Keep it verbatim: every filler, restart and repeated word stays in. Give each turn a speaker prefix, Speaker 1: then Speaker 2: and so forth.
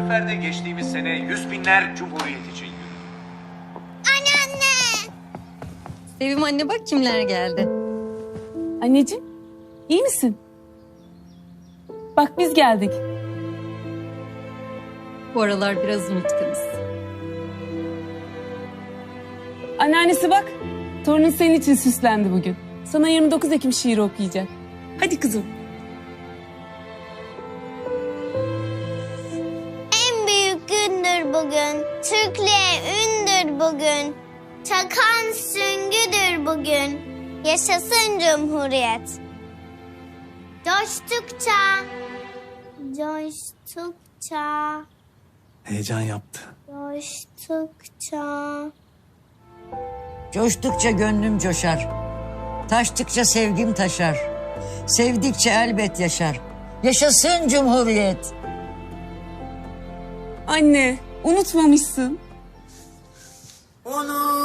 Speaker 1: sefer de geçtiğimiz sene yüz binler Cumhuriyet için yürüdü.
Speaker 2: Anneanne.
Speaker 3: Sevim anne bak kimler geldi.
Speaker 4: Anneciğim, iyi misin? Bak biz geldik.
Speaker 3: Bu aralar biraz unutkanız.
Speaker 4: Anneannesi bak, torunun senin için süslendi bugün. Sana yirmi dokuz Ekim şiiri okuyacak. Hadi kızım.
Speaker 2: En büyük gündür bugün. Türklüğe ündür bugün. Çakan süngüdür bugün. Yaşasın Cumhuriyet. Coştukça, coştukça,
Speaker 5: Heyecan yaptı.
Speaker 2: coştukça.
Speaker 6: Coştukça gönlüm coşar. Taştıkça sevgim taşar. Sevdikçe elbet yaşar. Yaşasın Cumhuriyet.
Speaker 4: Anne, unutmamışsın.
Speaker 6: Unut.